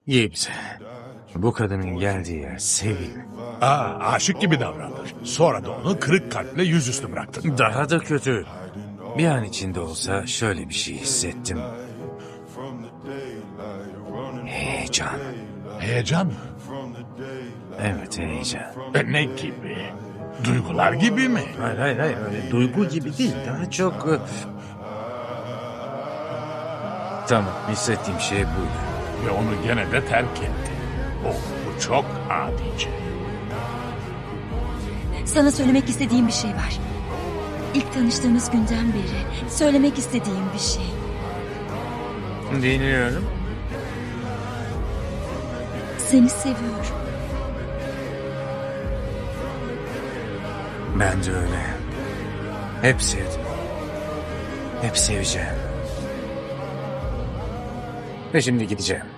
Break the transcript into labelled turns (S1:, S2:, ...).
S1: Gibbs, bu kadının geldiği yer sevim.
S2: Aşık gibi davranır. Sonra da onu kırık kalple yüzüstü bıraktın.
S1: Daha da kötü. Bir an içinde olsa şöyle bir şey hissettim. Heyecan.
S2: Heyecan mı?
S1: Evet, heyecan.
S2: Ne gibi? Duygular gibi mi?
S1: Hayır, öyle duygu gibi değil. Daha çok... Tamam, hissettiğim şey buydu.
S2: Ve onu gene de terk etti. Bu çok adice.
S3: Sana söylemek istediğim bir şey var. İlk tanıştığımız günden beri söylemek istediğim bir şey.
S1: Dinliyorum.
S3: Seni seviyorum.
S1: Ben de öyle. Hep sevdim. Hep seveceğim. Ve şimdi gideceğim.